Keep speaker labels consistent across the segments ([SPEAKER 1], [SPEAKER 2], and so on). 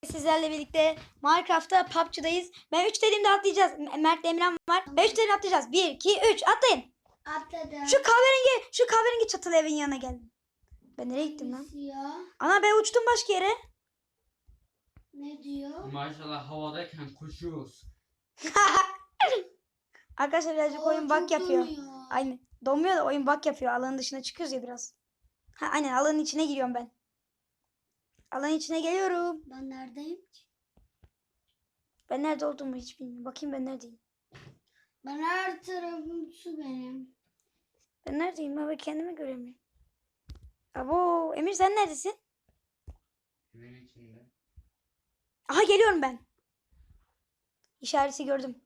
[SPEAKER 1] Sizlerle birlikte Minecraft'ta PUBG'dayız. Ben 3 dediğimde atlayacağız. Mert Emran var. Ben 3 dediğimde atlayacağız. 1, 2, 3 atlayın.
[SPEAKER 2] Atladım.
[SPEAKER 1] Şu kahverengi çatılı evin yanına geldim. Ben nereye gittim lan?
[SPEAKER 2] Ya.
[SPEAKER 1] Ana ben uçtum başka yere.
[SPEAKER 2] Ne diyor?
[SPEAKER 3] Maşallah havadayken koşuyoruz.
[SPEAKER 1] Arkadaşlar birazcık oyun bug yapıyor. Aynen. Donmuyor da oyun bug yapıyor. Alanın dışına çıkıyoruz ya biraz. Aynen alanın içine giriyorum ben. Alanın içine geliyorum.
[SPEAKER 2] Ben neredeyim?
[SPEAKER 1] Ben nerede olduğumu hiç bilmiyorum. Bakayım ben neredeyim.
[SPEAKER 2] Ben her tarafım su benim.
[SPEAKER 1] Ben neredeyim? Ben kendimi göremiyorum. Abo Emir sen neredesin?
[SPEAKER 3] Evin içinde.
[SPEAKER 1] Aha geliyorum ben. İşareti gördüm.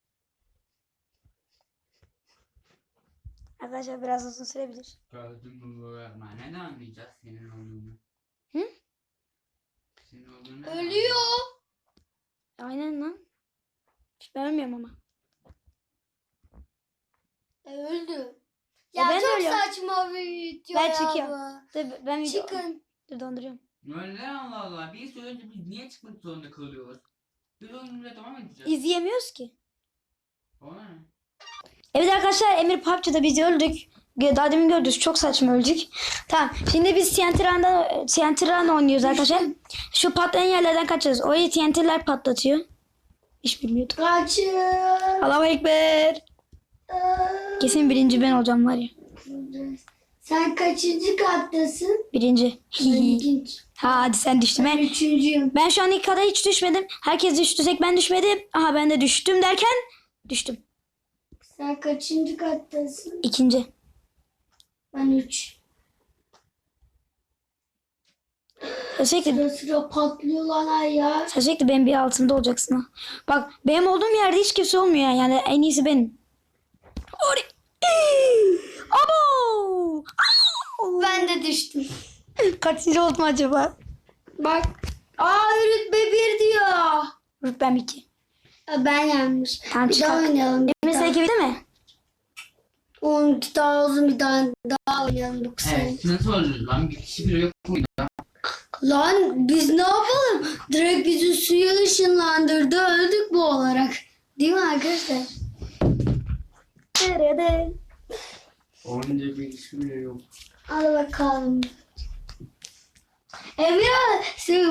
[SPEAKER 1] Arkadaşlar biraz uzun sürebilir.
[SPEAKER 3] Gördüm mü bu öğretmen? Ne anlayacağız senin olduğunu?
[SPEAKER 1] Hı?
[SPEAKER 3] Senin olduğunu
[SPEAKER 2] Ölüyor.
[SPEAKER 1] Aynen lan. Ben ölmüyorum ama.
[SPEAKER 2] Öldü.
[SPEAKER 1] Ya ben de
[SPEAKER 2] çok
[SPEAKER 1] ölüyorum.
[SPEAKER 2] saçma bir video
[SPEAKER 1] Ben
[SPEAKER 2] ya
[SPEAKER 1] çekiyorum.
[SPEAKER 2] bu.
[SPEAKER 1] Dur, ben video...
[SPEAKER 2] Çıkın.
[SPEAKER 1] Dur donduruyorum.
[SPEAKER 3] Öyle Allah Allah. Bir söyleyince biz niye çıkmak zorunda kalıyoruz? Biz oyunumuza devam edeceğiz.
[SPEAKER 1] İzleyemiyoruz ki.
[SPEAKER 3] Ona ne?
[SPEAKER 1] Evet arkadaşlar Emir PUBG'da biz öldük. Daha demin gördünüz çok saçma öldük. Tamam şimdi biz TNT Run oynuyoruz arkadaşlar. Şu patlayan yerlerden kaçacağız. Orayı TNT'ler patlatıyor. Hiç bilmiyordum.
[SPEAKER 2] Kaçın.
[SPEAKER 1] Allahu Ekber. Kesin birinci ben olacağım var ya.
[SPEAKER 2] Sen kaçıncı kattasın?
[SPEAKER 1] Birinci.
[SPEAKER 2] Ben ikinci.
[SPEAKER 1] Hadi sen düştün.
[SPEAKER 2] Ben üçüncüyüm.
[SPEAKER 1] Ben şu an ilk kadar hiç düşmedim. Herkes düştü tek ben düşmedim. Aha ben de düştüm derken düştüm.
[SPEAKER 2] Sen kaçıncı kattasın?
[SPEAKER 1] İkinci.
[SPEAKER 2] Ben 3.
[SPEAKER 1] Sürekli,
[SPEAKER 2] Sıra patlıyorlar ya.
[SPEAKER 1] sürekli benim bir altımda olacaksın ha. Bak benim olduğum yerde hiç kimse olmuyor yani en iyisi benim. Abo! Au!
[SPEAKER 2] Ben de düştüm.
[SPEAKER 1] Kaçıncı oldum acaba?
[SPEAKER 2] Bak. Rütbe 1 diyor.
[SPEAKER 1] Rütbem 2.
[SPEAKER 2] Ben yanmış.
[SPEAKER 1] Tamam
[SPEAKER 2] Bir daha
[SPEAKER 1] çıkar.
[SPEAKER 2] oynayalım.
[SPEAKER 1] Emir seninki bitti mi?
[SPEAKER 2] 12 daha uzun bir daha oynayalım. 9
[SPEAKER 3] Evet nasıl öldü lan? Bir kişi bile yok muydu?
[SPEAKER 2] Lan biz ne yapalım? Direkt bizi suya ışınlandırdı. Öldük bu olarak. Değil mi arkadaşlar?
[SPEAKER 1] Nerede?
[SPEAKER 3] Oyunda bir kişi bile yok.
[SPEAKER 2] Hadi bakalım. Emre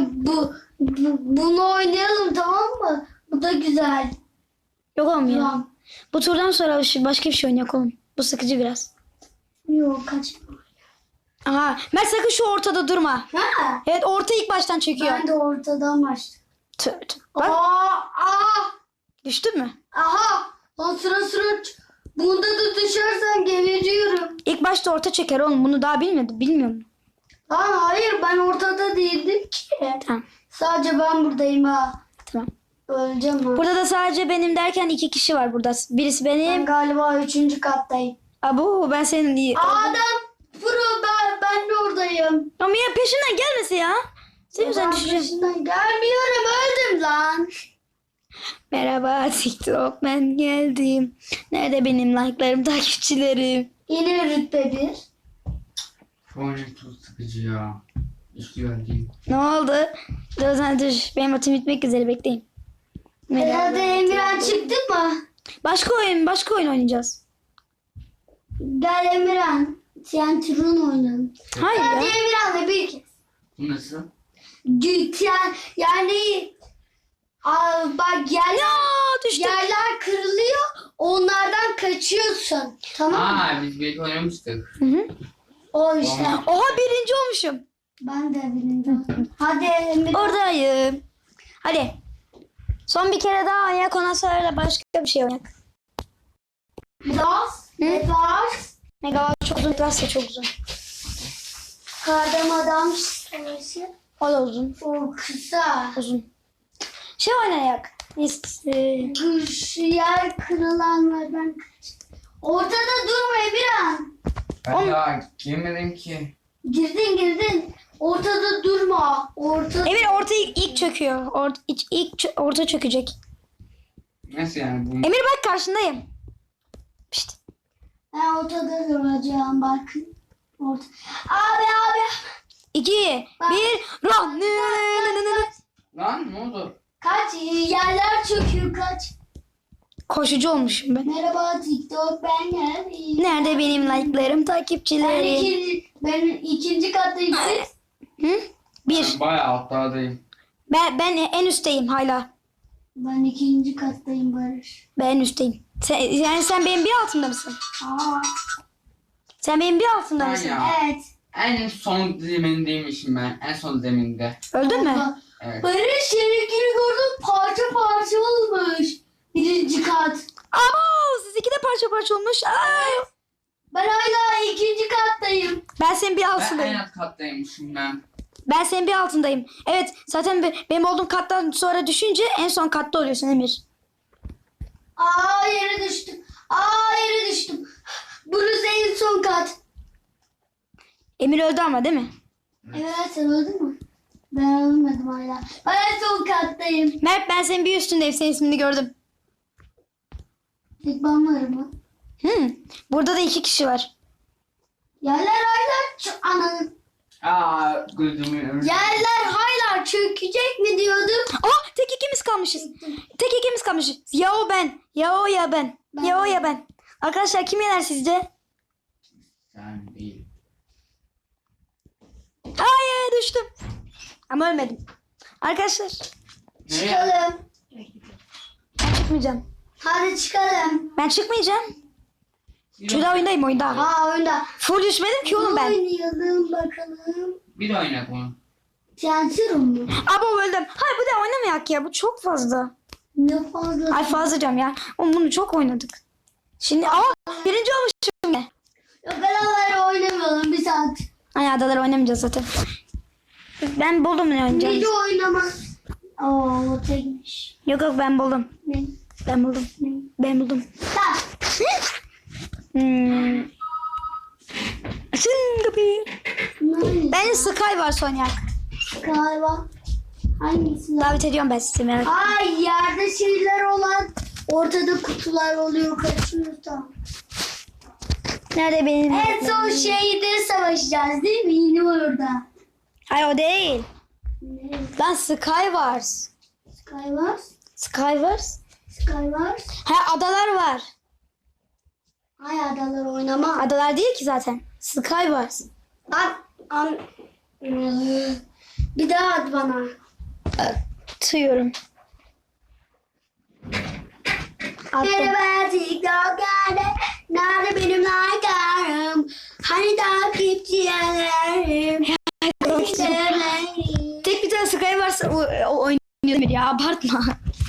[SPEAKER 2] bunu oynayalım tamam mı? Bu da güzel.
[SPEAKER 1] Yok oğlum ya.
[SPEAKER 2] Tamam.
[SPEAKER 1] Bu turdan sonra başka bir şey oynayak oğlum. Bu sıkıcı biraz.
[SPEAKER 2] Yok kaçma.
[SPEAKER 1] Aha. Mert sakın şu ortada durma.
[SPEAKER 2] Ha?
[SPEAKER 1] Evet orta ilk baştan çekiyor.
[SPEAKER 2] Ben de ortadan başladım.
[SPEAKER 1] Tövbe tövbe. Bak
[SPEAKER 2] Aa!
[SPEAKER 1] düştün mü?
[SPEAKER 2] Aha! Lan sıra bunda da düşersen geberiyorum.
[SPEAKER 1] İlk başta orta çeker oğlum. Bunu daha bilmiyor musun?
[SPEAKER 2] Lan hayır ben ortada değildim ki.
[SPEAKER 1] Tamam.
[SPEAKER 2] Sadece ben buradayım ha.
[SPEAKER 1] Tamam.
[SPEAKER 2] Öleceğim ha.
[SPEAKER 1] Burada da sadece benim derken 2 kişi var burada. Birisi
[SPEAKER 2] Ben
[SPEAKER 1] benim.
[SPEAKER 2] galiba 3. kattayım.
[SPEAKER 1] Abu ben senin iyi.
[SPEAKER 2] Adam pro ben de oradayım.
[SPEAKER 1] Ama ya peşimden gelmesi ya. Senin yüzünden
[SPEAKER 2] Ben
[SPEAKER 1] düşeceğim.
[SPEAKER 2] peşinden gelmiyorum öldüm lan.
[SPEAKER 1] Merhaba TikTok ben geldim. Nerede benim like'larım takipçilerim?
[SPEAKER 2] Yine rütbe 1.
[SPEAKER 3] Şu oyun çok sıkıcı ya. Hiç güzel değil.
[SPEAKER 1] Ne oldu? Dur. Benim atım bitmek üzere bekleyin.
[SPEAKER 2] Hadi Emirhan çıktı mı?
[SPEAKER 1] Başka oyun oynayacağız.
[SPEAKER 2] Gel Emirhan. Tiyatron oynayalım.
[SPEAKER 1] Hayır
[SPEAKER 2] Hadi
[SPEAKER 1] ya.
[SPEAKER 2] Emirhan'la bir kez.
[SPEAKER 3] Bu nasıl?
[SPEAKER 2] Yani bak
[SPEAKER 1] Düştüm.
[SPEAKER 2] yerler kırılıyor. Onlardan kaçıyorsun. Tamam mı?
[SPEAKER 3] Biz bir oynamıştık.
[SPEAKER 1] Hı hı.
[SPEAKER 2] O işte.
[SPEAKER 1] Oha birinci olmuşum.
[SPEAKER 2] Ben de bilmiyorum. Hadi Emirhan.
[SPEAKER 1] Oradayım. Hadi. Son bir kere daha oynayak ondan sonra da başka bir şey oynayak.
[SPEAKER 2] Biraz. Biraz.
[SPEAKER 1] Megawatt çok uzun, Plus da çok uzun.
[SPEAKER 2] Kardam adam savaşı.
[SPEAKER 1] O da uzun.
[SPEAKER 2] O kısa.
[SPEAKER 1] Uzun. Şey oynayak.
[SPEAKER 2] Şu yer kırılanlardan kaç. Ortada durma Emirhan.
[SPEAKER 3] Ben daha girmedim ki.
[SPEAKER 2] Girdin. Ortada durma.
[SPEAKER 1] Emir orta ilk çöküyor. Orta çökecek.
[SPEAKER 3] Nasıl yani bu?
[SPEAKER 1] Emir bak karşındayım. Pişt.
[SPEAKER 2] Ben ortada duracağım bak. Abi.
[SPEAKER 1] 2, 1, run.
[SPEAKER 3] Lan ne oldu?
[SPEAKER 2] Kaç yerler çöküyor kaç.
[SPEAKER 1] Koşucu olmuşum ben.
[SPEAKER 2] Merhaba TikTok ben geldim.
[SPEAKER 1] Nerede benim like'larım,
[SPEAKER 2] Ben
[SPEAKER 1] takipçilerim?
[SPEAKER 2] ikinci kattayım siz.
[SPEAKER 1] Hı? Bir.
[SPEAKER 3] Ben bayağı altlardayım.
[SPEAKER 1] Ben en üstteyim hala.
[SPEAKER 2] Ben ikinci kattayım Barış.
[SPEAKER 1] Ben en üstteyim. Yani sen benim bir altımda mısın?
[SPEAKER 2] Aa,
[SPEAKER 1] Sen benim bir altımda
[SPEAKER 3] Ben
[SPEAKER 1] mısın?
[SPEAKER 3] ya.
[SPEAKER 2] evet.
[SPEAKER 3] En son zemindeymişim ben. En son zeminde.
[SPEAKER 1] Öldün mü?
[SPEAKER 2] Baba,
[SPEAKER 3] Evet.
[SPEAKER 2] Barış seninkini gördüm parça parça olmuş. Birinci kat.
[SPEAKER 1] Aa, siz iki de parça parça olmuş. Aa,
[SPEAKER 2] Ben hala ikinci kattayım.
[SPEAKER 1] ben senin bir
[SPEAKER 3] Ben
[SPEAKER 1] altındayım.
[SPEAKER 3] en alt kattaymışım ben.
[SPEAKER 1] Ben senin bir altındayım. Evet, zaten benim olduğum kattan sonra düşünce en son katta oluyorsun Emir.
[SPEAKER 2] Aa yere düştüm. Aa yere düştüm. Burası en son kat.
[SPEAKER 1] Emir öldü ama değil mi?
[SPEAKER 2] Evet sen öldün mü? Ben ölmedim hala. Ben en son kattayım.
[SPEAKER 1] Mert, ben senin bir üstündeyim. Senin ismini gördüm.
[SPEAKER 2] Tek ben varım mı?
[SPEAKER 1] Burada da iki kişi var.
[SPEAKER 2] Yerler hala ananın.
[SPEAKER 3] Aa gözümü
[SPEAKER 2] Yerler hala çökecek mi diyordum.
[SPEAKER 1] Aa, tek ikimiz kalmışız. Tek ikimiz kalmışız. Ya o ben. Ya o ya ben. Ya o ya ben. Arkadaşlar kim yener sizce?
[SPEAKER 3] Sen değil.
[SPEAKER 1] Hayır, düştüm. Ama ölmedim. Arkadaşlar
[SPEAKER 3] Nereye?
[SPEAKER 2] Çıkalım.
[SPEAKER 1] ben çıkmayacağım.
[SPEAKER 2] Hadi çıkalım.
[SPEAKER 1] Ben çıkmayacağım. Çünkü daha oyundayım, oyunda.
[SPEAKER 2] Aa oyunda.
[SPEAKER 1] Full düşmedim ki oğlum ben.
[SPEAKER 2] Oynayalım bakalım.
[SPEAKER 3] Bir de oyna bunu.
[SPEAKER 2] Tiyatro mu?
[SPEAKER 1] Abo öldüm. Hayır, bu da oynamayak ya. Bu çok fazla.
[SPEAKER 2] Ne fazla.
[SPEAKER 1] Ay fazla diyorum ya. Oğlum bunu çok oynadık. Şimdi birinci olmuşum ya.
[SPEAKER 2] Yok beraber oynamayalım bir saat.
[SPEAKER 1] Ay adaları oynamayacağız zaten. Ben buldum ne oynayacağım.
[SPEAKER 2] Nece oynamaz. Oo tekmiş.
[SPEAKER 1] Yok yok, ben buldum.
[SPEAKER 2] Ne?
[SPEAKER 1] Ben buldum. Ben buldum.
[SPEAKER 2] Tamam.
[SPEAKER 1] Açın kapıyı.
[SPEAKER 2] Ne?
[SPEAKER 1] Bence Sky var Sonyak.
[SPEAKER 2] Galiba. Hangisi?
[SPEAKER 1] Davet ediyorum ben sizi, merak etmeyin.
[SPEAKER 2] Ay yerde şeyler olan ortada kutular oluyor kaçıyoruz tam.
[SPEAKER 1] Nerede benim?
[SPEAKER 2] En son şeyde savaşacağız değil mi? Yine orada.
[SPEAKER 1] Hayır, o değil.
[SPEAKER 2] Ne?
[SPEAKER 1] Lan Skywars.
[SPEAKER 2] Skywars.
[SPEAKER 1] Skywars?
[SPEAKER 2] Skywars.
[SPEAKER 1] Ha, adalar var.
[SPEAKER 2] Ay adalar oynama.
[SPEAKER 1] Adalar değil ki zaten. Skywars.
[SPEAKER 2] An. Bir daha at bana.
[SPEAKER 1] Atıyorum. Attım.
[SPEAKER 2] Merhaba TikTok nerede benim like'larım? Hani takipçilerim?
[SPEAKER 1] Tek bir tane Skywars oynuyor ya, abartma.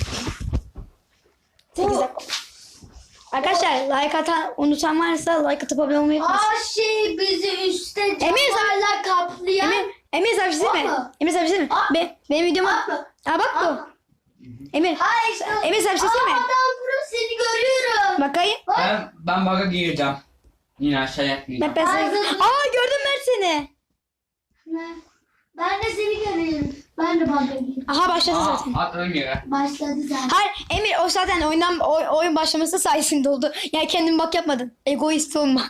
[SPEAKER 1] 8 dakika. Arkadaşlar like unutan varsa like atıp abone olmayı unutmayın.
[SPEAKER 2] Aa şey bizi üstte
[SPEAKER 1] Emir,
[SPEAKER 2] camlarla kaplayan.
[SPEAKER 1] Emir sen bir şey değil mi?
[SPEAKER 2] Atma.
[SPEAKER 1] Emir sen bir şey değil mi?
[SPEAKER 2] Atma.
[SPEAKER 1] Benim videoma...
[SPEAKER 2] Atma.
[SPEAKER 1] Aa bak bu.
[SPEAKER 2] Atma.
[SPEAKER 1] Emir.
[SPEAKER 2] Hayır işte.
[SPEAKER 1] Emir sen bir şey değil mi?
[SPEAKER 2] Adam burası seni görüyorum.
[SPEAKER 1] Bakayım.
[SPEAKER 3] Ben bug'a gireceğim. Yine aşağıya gireceğim.
[SPEAKER 1] Ben sana...
[SPEAKER 2] Ay, dur.
[SPEAKER 1] Aa, gördüm Mert seni.
[SPEAKER 2] Ne? Ben de seni görüyorum. Ben de bana gireyim.
[SPEAKER 1] Aha, başladı zaten.
[SPEAKER 3] Atlarım yere.
[SPEAKER 2] Başladı zaten.
[SPEAKER 1] Hayır Emir, o zaten oyun başlaması sayesinde oldu. Yani kendin bak yapmadın. Egoist olma.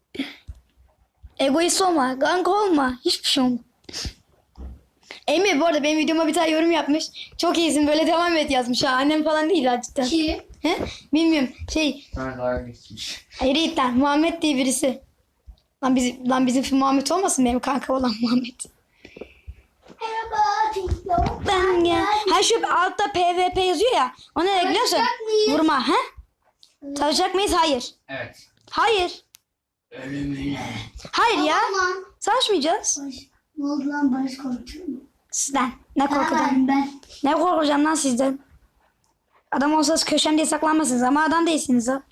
[SPEAKER 1] Egoist olma. Kanka olma. Hiçbir şey olma. Emir bu arada benim videoma bir tane yorum yapmış. Çok iyisin, böyle devam et yazmış ha. Annem falan değil ha, cidden.
[SPEAKER 2] Kim?
[SPEAKER 1] He? Bilmiyorum.
[SPEAKER 3] Sana dalga geçmiş.
[SPEAKER 1] Hayır Yiğit lan. Muhammed diye birisi. Lan bizim Muhammed olmasın, benim kanka olan Muhammed.
[SPEAKER 2] Merhaba TikTok.
[SPEAKER 1] Ben gel. Ha, şu altta PvP yazıyor ya. O ne biliyor musun?
[SPEAKER 2] Savaşacak mıyız?
[SPEAKER 1] Vurma. He? Savaşacak mıyız? Hayır.
[SPEAKER 3] Evet.
[SPEAKER 1] Hayır.
[SPEAKER 3] Ölümüne.
[SPEAKER 1] Hayır ya.
[SPEAKER 2] Lan.
[SPEAKER 1] Savaşmayacağız.
[SPEAKER 2] Ne oldu lan Barış korkuyor mu?
[SPEAKER 1] Sizden. Ne korkacağım?
[SPEAKER 2] Ben.
[SPEAKER 1] Ne korkacağım lan sizden? Adam olsanız köşemde saklanmasınız ama adam değilsiniz ha.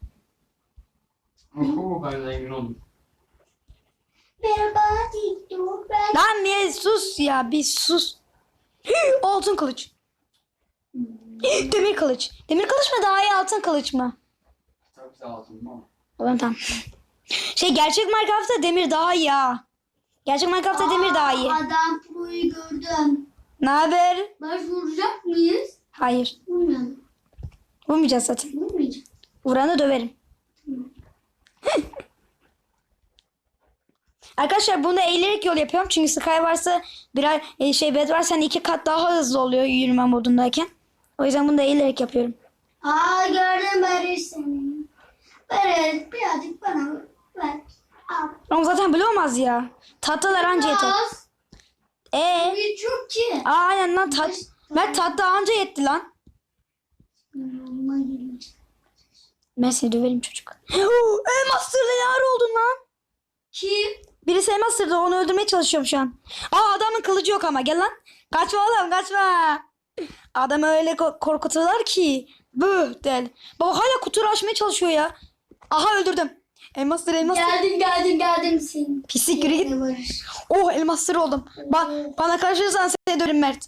[SPEAKER 3] Oho ben zengin oldum.
[SPEAKER 2] Merhaba TikTok. Ben.
[SPEAKER 1] Lan niye, sus ya, bir sus. Altın kılıç. Demir kılıç. Demir kılıç mı daha iyi, altın kılıç mı?
[SPEAKER 3] Çok sağ olsun ama.
[SPEAKER 1] Oğlum tamam. Gerçek Minecraft'ta demir daha iyi ha. Gerçek Minecraft'ta demir daha iyi.
[SPEAKER 2] Adam pro'yu gördüm.
[SPEAKER 1] Ne haber?
[SPEAKER 2] Barış vuracak mıyız?
[SPEAKER 1] Hayır.
[SPEAKER 2] Vurmayalım.
[SPEAKER 1] Vurmayacağız zaten.
[SPEAKER 2] Vurmayacağız.
[SPEAKER 1] Vuranı döverim. Arkadaşlar bunu eğilerek yol yapıyorum. Çünkü Sky varsa birer bed varsa hani 2 kat daha hızlı oluyor yürüme modundayken. O yüzden bunu da eğilerek yapıyorum.
[SPEAKER 2] Aa gördüm Barış seni. Barış birazcık bana ver. Al.
[SPEAKER 1] Ama zaten böyle olmaz ya. Tatlılar anca yeter.
[SPEAKER 2] Az. Bir çok ki.
[SPEAKER 1] Aynen lan Mert tatlı anca yetti lan.
[SPEAKER 2] Yanıma gelmiş.
[SPEAKER 1] Ben seni döverim çocuk. Elmas sırdı ne ara oldun lan?
[SPEAKER 2] Kim?
[SPEAKER 1] Birisi elmas sırdı onu öldürmeye çalışıyorum şu an. Adamın kılıcı yok ama gel lan. Kaçma oğlum kaçma. Adamı öyle korkutuyorlar ki. Bıh del. Baba hala kutuyu açmaya çalışıyor ya. Aha öldürdüm. Elmas sırrı elmas sırrı.
[SPEAKER 2] Geldim senin.
[SPEAKER 1] Pislik yürü git.
[SPEAKER 2] Barış.
[SPEAKER 1] Oh elmas sırrı oldum. Bana karışırsan seni döverim Mert.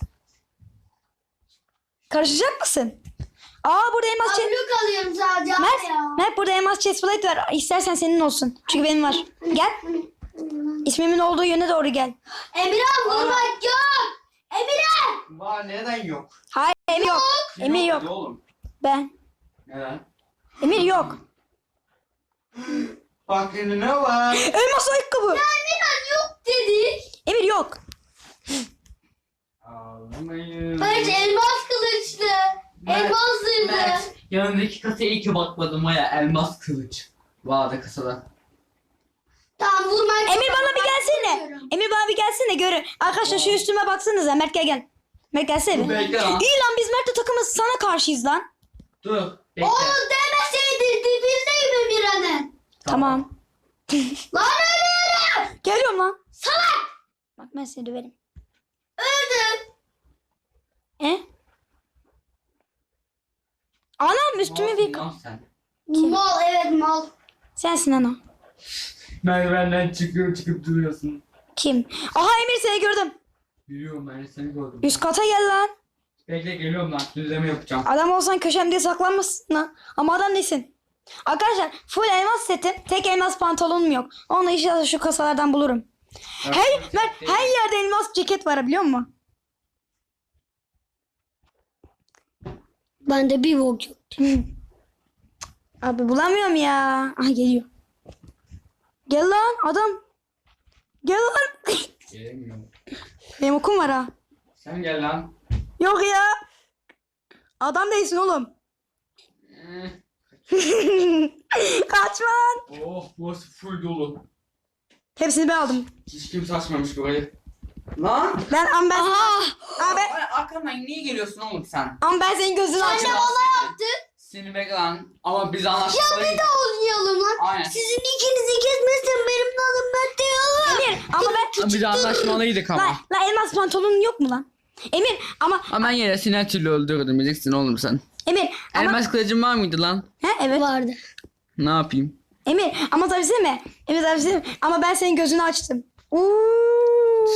[SPEAKER 1] Karışacak mısın? Burada elmas chest.
[SPEAKER 2] Blok alıyorum sadece
[SPEAKER 1] Mert burada elmas chestplate var. İstersen senin olsun. Çünkü benim var. Gel. İsmimin olduğu yöne doğru gel.
[SPEAKER 2] Emirhan vurmak yok. Emirhan.
[SPEAKER 3] Var neden yok?
[SPEAKER 1] Hayır Emir yok. Emir yok.
[SPEAKER 3] Hadi oğlum.
[SPEAKER 1] Ben.
[SPEAKER 3] Neden?
[SPEAKER 1] Emir yok.
[SPEAKER 3] Bak ne var?
[SPEAKER 1] Elmas ayakkabı.
[SPEAKER 2] Emirhan yok dedi.
[SPEAKER 1] Emir yok.
[SPEAKER 3] Ağlamayın.
[SPEAKER 2] Barış elmas kılıçlı. Elmas zırhlı.
[SPEAKER 3] Mert, yanındaki kasaya iyi ki bakmadım ya. Elmas kılıç. Vardı kasada.
[SPEAKER 2] Tamam vurmak.
[SPEAKER 1] Emir bana bir gelsene. Emir bana bir gelsene görün. Arkadaşlar şu üstüme baksanıza. Mert gel. Mert gelsene.
[SPEAKER 3] Dur bekle lan.
[SPEAKER 1] İyi lan biz Mert'le takımız sana karşıyız lan.
[SPEAKER 3] Dur. Bekle.
[SPEAKER 2] Onu demeseydin dibindeyim Emirhan'ın.
[SPEAKER 1] Tamam.
[SPEAKER 2] Lan ölüyorum.
[SPEAKER 1] Geliyorum lan.
[SPEAKER 2] Salak.
[SPEAKER 1] Bak ben seni döverim.
[SPEAKER 2] Öldüm.
[SPEAKER 1] Anam üstüme bir...
[SPEAKER 3] Lan sen.
[SPEAKER 2] Mal evet mal.
[SPEAKER 1] Sensin ana.
[SPEAKER 3] Merdivenden çıkıp duruyorsun.
[SPEAKER 1] Kim? Aha Emir seni gördüm.
[SPEAKER 3] Yürüyorum ben de seni gördüm.
[SPEAKER 1] Üst kata gel lan.
[SPEAKER 3] Bekle geliyorum lan. Düzleme yapacağım.
[SPEAKER 1] Adam olsan köşemde saklanmasın lan. Ama adam değilsin. Arkadaşlar full elmas setim. Tek elmas pantolonum yok. Onu inşallah şu kasalardan bulurum. Her yerde elmas ceket var biliyor musun?
[SPEAKER 2] Bende bir vok yok.
[SPEAKER 1] Abi bulamıyorum ya. Aha geliyor. Gel lan adam. Gel lan.
[SPEAKER 3] Gelemiyorum.
[SPEAKER 1] Benim okum var ha.
[SPEAKER 3] Sen gel lan.
[SPEAKER 1] Yok ya. Adam değilsin oğlum. Kaç lan.
[SPEAKER 3] Oh burası full dolu.
[SPEAKER 1] Hepsini ben aldım.
[SPEAKER 3] Hiç kimse açmamış burayı. Lan.
[SPEAKER 1] Ama ben
[SPEAKER 3] Arkamdan niye geliyorsun oğlum sen?
[SPEAKER 1] senin gözünü açtım.
[SPEAKER 3] Seni bekle lan. Ama biz anlaşmalıyız.
[SPEAKER 2] Oynayalım lan.
[SPEAKER 3] Aynen.
[SPEAKER 2] Sizin ikinizi kesmezsem benim de adım Mert değil.
[SPEAKER 1] Emir ama ben...
[SPEAKER 3] Biz anlaşmalıydık ama.
[SPEAKER 1] La elmas pantolonun yok mu lan? Emir ama...
[SPEAKER 3] Ama ben yine seni her türlü öldürdüm. Bileceksin oğlum sen.
[SPEAKER 1] Emir ama...
[SPEAKER 3] Elmas kılıcın var mıydı lan?
[SPEAKER 1] He evet.
[SPEAKER 2] Vardı.
[SPEAKER 3] Ne yapayım?
[SPEAKER 1] Emir ama tabii sen mi? Emir tabii sen mi? Ama ben senin gözünü açtım. Uuu.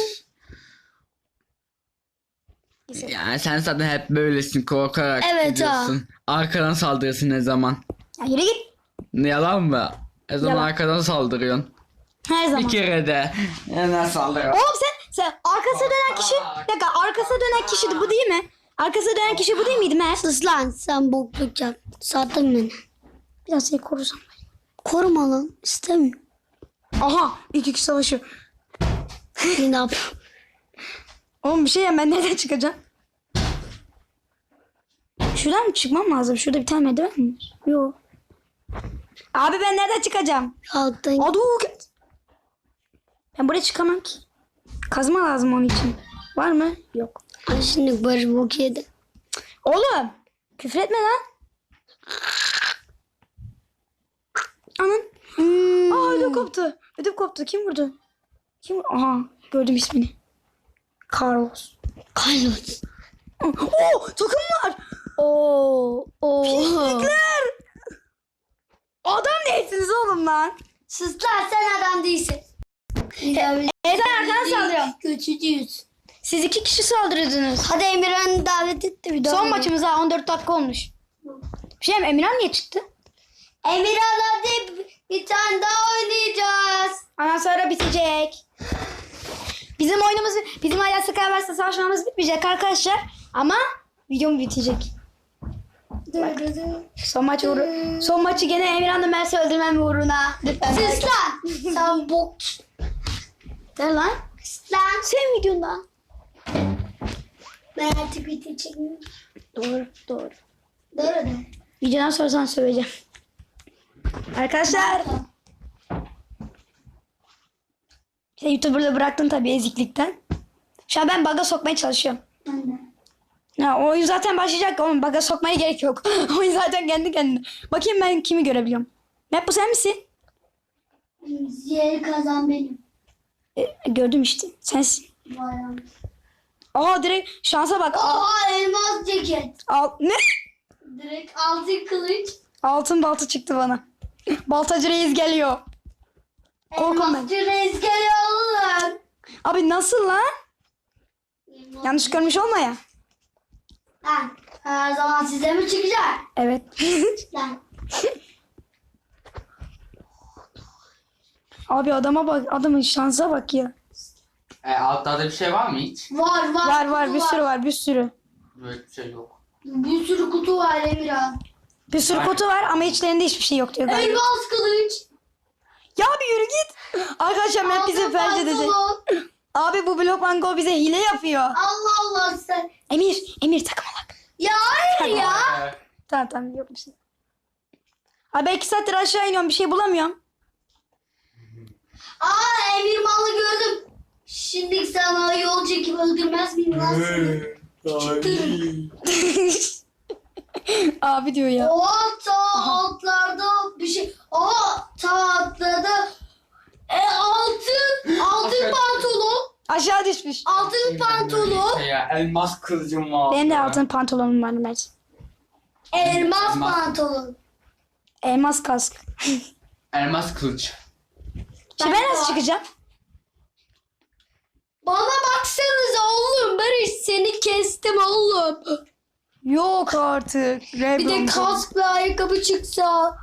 [SPEAKER 3] Yani sen zaten hep böylesin korkarak
[SPEAKER 2] Evet,
[SPEAKER 3] gidiyorsun. Arkadan saldırırsın ne zaman?
[SPEAKER 1] Ya yürü git.
[SPEAKER 3] Ne yalan mı? Ne zaman
[SPEAKER 1] Yalan.
[SPEAKER 3] arkadan saldırıyorsun?
[SPEAKER 1] Her zaman.
[SPEAKER 3] Bir kere de. Neden saldırıyorsun?
[SPEAKER 1] Oğlum sen arkasına dönen kişi... Bir dakika arkasına dönen kişi de bu değil mi? Arkasına dönen kişi bu değil miydi Mert?
[SPEAKER 2] Sus lan sen bokluk yap. Sattın beni.
[SPEAKER 1] Biraz seni korusam.
[SPEAKER 2] Koruma lan. İstemiyorum.
[SPEAKER 1] Aha 2 kişi savaşıyor.
[SPEAKER 2] Ne yap?
[SPEAKER 1] Oğlum bir şey ya ben nereden çıkacağım? Şuradan mı çıkmam lazım? Şurada bir tane merdiven mi var? Yok. Abi ben nereden çıkacağım?
[SPEAKER 2] Alttan.
[SPEAKER 1] Adu. Ben buraya çıkamam ki. Kazma lazım onun için. Var mı? Yok.
[SPEAKER 2] Ay şimdi Barış bok yedi.
[SPEAKER 1] Oğlum. Küfür etme lan. Anan. Aa ödüm koptu. Ödüm koptu. Kim vurdu? Aha gördüm ismini. Carlos.
[SPEAKER 2] Carlos.
[SPEAKER 1] Oo takım var.
[SPEAKER 2] Oo.
[SPEAKER 1] Pislikler. Adam değilsiniz oğlum lan.
[SPEAKER 2] Sus lan sen adam değilsin.
[SPEAKER 1] Sen arkadan saldırıyorum.
[SPEAKER 2] Kötücüyüz.
[SPEAKER 1] Siz 2 kişi saldırıyordunuz.
[SPEAKER 2] Hadi Emirhan'ı davet etti bir daha.
[SPEAKER 1] Son maçımız ha 14 dakika olmuş. Bir şey mi? Emirhan niye çıktı?
[SPEAKER 2] Emirhan hadi bir tane daha oynayacağız.
[SPEAKER 1] Ondan sonra bitecek. Bizim oyunumuz, bizim hala Skyverse'de savaşmamız bitmeyecek arkadaşlar. Ama videom bitecek. Son maçı gene Emirhan'la Mert'i öldürmem uğruna. Lütfen.
[SPEAKER 2] Sus lan. Sen bok.
[SPEAKER 1] Ver lan.
[SPEAKER 2] Lan
[SPEAKER 1] Senin videonda.
[SPEAKER 2] ben artık video çekmiyorum.
[SPEAKER 1] Doğru.
[SPEAKER 2] Doğru da.
[SPEAKER 1] Videodan sonra sana söyleyeceğim. Arkadaşlar. İşte YouTuber'lığı bıraktın tabii eziklikten. Şu an ben bug'a sokmaya çalışıyorum.
[SPEAKER 2] Ben de.
[SPEAKER 1] Ya oyun zaten başlayacak ama bug'a sokmaya gerek yok. Oyun zaten kendi kendine. Bakayım ben kimi görebiliyorum. Map bu sen misin?
[SPEAKER 2] Yeri kazan benim.
[SPEAKER 1] Gördüm işte. Sensin.
[SPEAKER 2] Bayağı.
[SPEAKER 1] Aa direkt şansa bak.
[SPEAKER 2] Oha elmas ceket.
[SPEAKER 1] Ne?
[SPEAKER 2] Direkt altın kılıç.
[SPEAKER 1] Altın balta çıktı bana. Baltacı reis geliyor. Korkun ben.
[SPEAKER 2] Elmasçı reis geliyor oğlum.
[SPEAKER 1] Abi nasıl lan? Yanlış görmüş olma ya.
[SPEAKER 2] Lan her zaman size mi çıkacak?
[SPEAKER 1] Evet.
[SPEAKER 2] Lan.
[SPEAKER 1] Abi adama bak. Adamın şansa bak ya.
[SPEAKER 3] Altta da bir şey var mı hiç?
[SPEAKER 2] Var
[SPEAKER 1] Var
[SPEAKER 2] kutu
[SPEAKER 1] bir sürü var bir sürü.
[SPEAKER 3] Böyle bir şey yok.
[SPEAKER 2] Bir sürü kutu var Emirhan.
[SPEAKER 1] Bir sürü kutu var ama içlerinde hiçbir şey yok diyor galiba.
[SPEAKER 2] Elmas kılıç.
[SPEAKER 1] Ya bir yürü git. Arkadaşlar map bize
[SPEAKER 2] Altın
[SPEAKER 1] felç edecek.
[SPEAKER 2] pantolon.
[SPEAKER 1] Abi bu Blockman Go bize hile yapıyor.
[SPEAKER 2] Allah Allah sen.
[SPEAKER 1] Emir takmalak.
[SPEAKER 2] Ya hayır ya.
[SPEAKER 1] Tamam yok bir şey. Abi ben 2 saattir aşağı iniyorum bir şey bulamıyorum.
[SPEAKER 2] Aa Emir malı gördüm. Şimdi sana yol çekip öldürmez miyim lan seni?
[SPEAKER 1] Abi diyor ya.
[SPEAKER 2] O altlarda bir şey. O atladı. Altın pantolon.
[SPEAKER 1] Aşağı düşmüş.
[SPEAKER 2] Altın pantolon.
[SPEAKER 3] Ya, elmas kılıcım var.
[SPEAKER 1] Benim de altın pantolonum var Mert.
[SPEAKER 2] Elmas
[SPEAKER 3] Elmas.
[SPEAKER 2] pantolon.
[SPEAKER 1] Elmas kask.
[SPEAKER 3] Elmas kılıç.
[SPEAKER 1] Şimdi ben nasıl çıkacağım?
[SPEAKER 2] Bana baksanıza oğlum. Barış seni kestim oğlum.
[SPEAKER 1] Yok artık.
[SPEAKER 2] Bir de kask ve ayakkabı çıksa.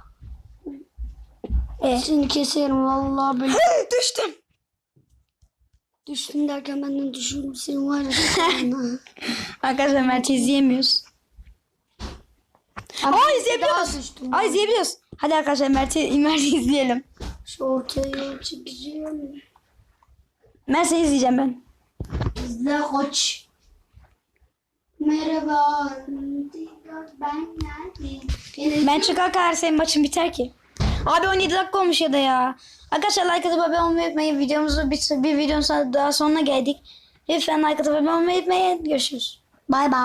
[SPEAKER 2] Seni keserim vallahi böyle.
[SPEAKER 1] Düştüm.
[SPEAKER 2] Düştüm derken benden düşürdüm seni var ya.
[SPEAKER 1] Arkadaşlar Mert'i izleyemiyoruz. Aa izleyebiliyoruz.
[SPEAKER 2] Düştüm.
[SPEAKER 1] Aa izleyebiliyoruz. Hadi arkadaşlar Mert'i izleyelim.
[SPEAKER 2] Şu ortaya çekeceğim.
[SPEAKER 1] Mert seni izleyeceğim ben.
[SPEAKER 2] İzle koç. Merhaba. Ben geldim.
[SPEAKER 1] Ben çıkarken senin maçın biter ki. Abi 17 dakika olmuş ya da ya. Arkadaşlar like atıp abone olmayı unutmayın. Videomuzu bir videonun daha sonuna geldik. Lütfen like atıp abone olmayı unutmayın. Görüşürüz.
[SPEAKER 2] Bay bay.